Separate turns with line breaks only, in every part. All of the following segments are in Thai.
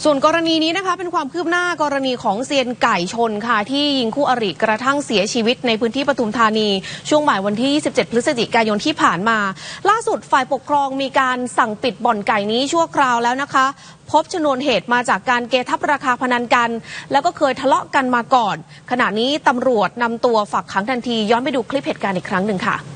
ส่วนกรณีนี้นะคะเป็นความคืบหน้ากรณีของเซียนไก่ชนค่ะที่ยิงคู่อริกระทั่งเสียชีวิตในพื้นที่ปทุมธานีช่วงบ่ายวันที่27พฤศจิกายนที่ผ่านมาล่าสุดฝ่ายปกครองมีการสั่งปิดบ่อนไก่นี้ชั่วคราวแล้วนะคะพบชนวนเหตุมาจากการเกทับราคาพนันกันแล้วก็เคยทะเลาะกันมาก่อนขณะนี้ตำรวจนำตัวฝากขังทันทีย้อนไปดูคลิปเหตุการณ์อีกครั้งหนึ่งค่ะ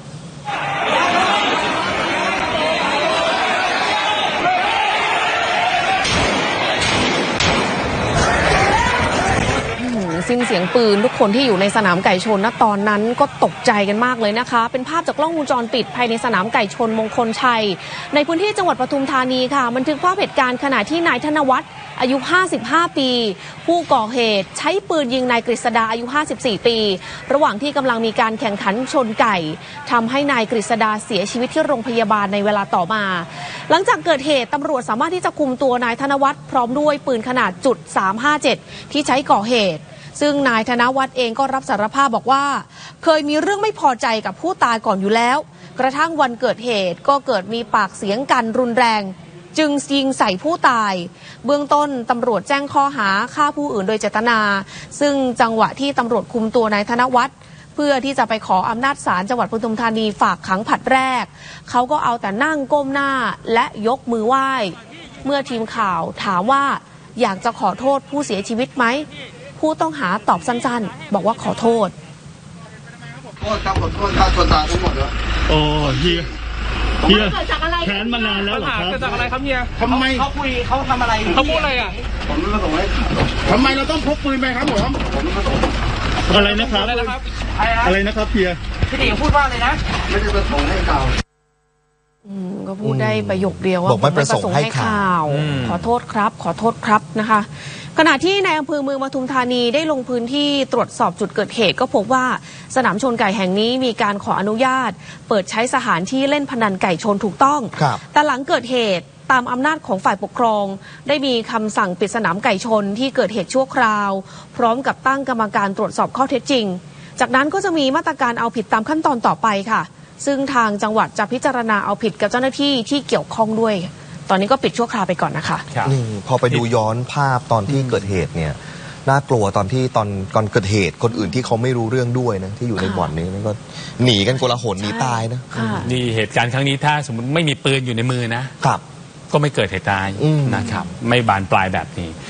สิ้นเสียงปืนทุกคนที่อยู่ในสนามไก่ชนณตอนนั้นก็ตกใจกันมากเลยนะคะเป็นภาพจากกล้องวงจรปิดภายในสนามไก่ชนมงคลชัยในพื้นที่จังหวัดปทุมธานีค่ะบันทึกภาพเหตุการณ์ขณะที่นายธนวัฒน์อายุ55ปีผู้ก่อเหตุใช้ปืนยิงนายกฤษดาอายุ54ปีระหว่างที่กำลังมีการแข่งขันชนไก่ทำให้นายกฤษดาเสียชีวิตที่โรงพยาบาลในเวลาต่อมาหลังจากเกิดเหตุตำรวจสามารถที่จะคุมตัวนายธนวัฒน์พร้อมด้วยปืนขนาด.357ที่ใช้ก่อเหตุซึ่งนายธนวัฒน์เองก็รับสารภาพบอกว่าเคยมีเรื่องไม่พอใจกับผู้ตายก่อนอยู่แล้วกระทั่งวันเกิดเหตุก็เกิดมีปากเสียงกันรุนแรงจึงยิงใส่ผู้ตายเบื้องต้นตำรวจแจ้งข้อหาฆ่าผู้อื่นโดยเจตนาซึ่งจังหวะที่ตำรวจคุมตัวนายธนวัฒน์เพื่อที่จะไปขออำนาจศาลจังหวัดปทุมธานีฝากขังผลัดแรกเขาก็เอาแต่นั่งก้มหน้าและยกมือไหว้เมื่อทีมข่าวถามว่าอยากจะขอโทษผู้เสียชีวิตไหมผู้ต้องหาตอบสั้นๆบอกว่าขอโทษ
ขอโทษครับขอโทษค่าส่วนต่างทั้งหมดเลย
โอ้เฮียแค้นมานานแล้วเหรอครับ
เกิดจากอะไรครับเฮีย
ทำไม
เขาคุยเขาทำอะไรเขาพูดอะไรอ่ะ
ผมไม่มาส่งให้
ทำไมเราต้องพกปืนไปครับผม
ไม่มาส่ง
อะไรนะครับอะไรนะครับเฮีย
พี่ติ๋งพูดว่าอะไรนะ
ไม่ได้มาส่งให้ข่าว
ก็พูดได้ประโยคเดียวว่าไม่ประสงค์ให้ข่าวขอโทษครับขอโทษครับนะคะขณะที่ในอำเภอเมืองปทุมธานีได้ลงพื้นที่ตรวจสอบจุดเกิดเหตุก็พบว่าสนามชนไก่แห่งนี้มีการขออนุญาตเปิดใช้สถานที่เล่นพนันไก่ชนถูกต้องแต่หลังเกิดเหตุตามอำนาจของฝ่ายปกครองได้มีคำสั่งปิดสนามไก่ชนที่เกิดเหตุชั่วคราวพร้อมกับตั้งกรรมการตรวจสอบข้อเท็จจริงจากนั้นก็จะมีมาตรการเอาผิดตามขั้นตอนต่อไปค่ะซึ่งทางจังหวัดจะพิจารณาเอาผิดกับเจ้าหน้าที่ที่เกี่ยวข้องด้วยตอนนี้ก็ปิดชั่วคราวไปก่อนนะคะ
พอไปดูย้อนภาพตอนที่เกิดเหตุเนี่ยน่ากลัวตอนที่ตอนเกิดเหตุคนอื่นที่เขาไม่รู้เรื่องด้วยนะที่อยู่ในบ่อนนี้มันก็หนีกันโกลาหลหนีตายนะ
นี่เหตุการณ์ครั้งนี้ถ้าสมมติไม่มีปืนอยู่ในมือนะครับก็ไม่เกิดเหตุตายนะครับไม่บานปลายแบบนี้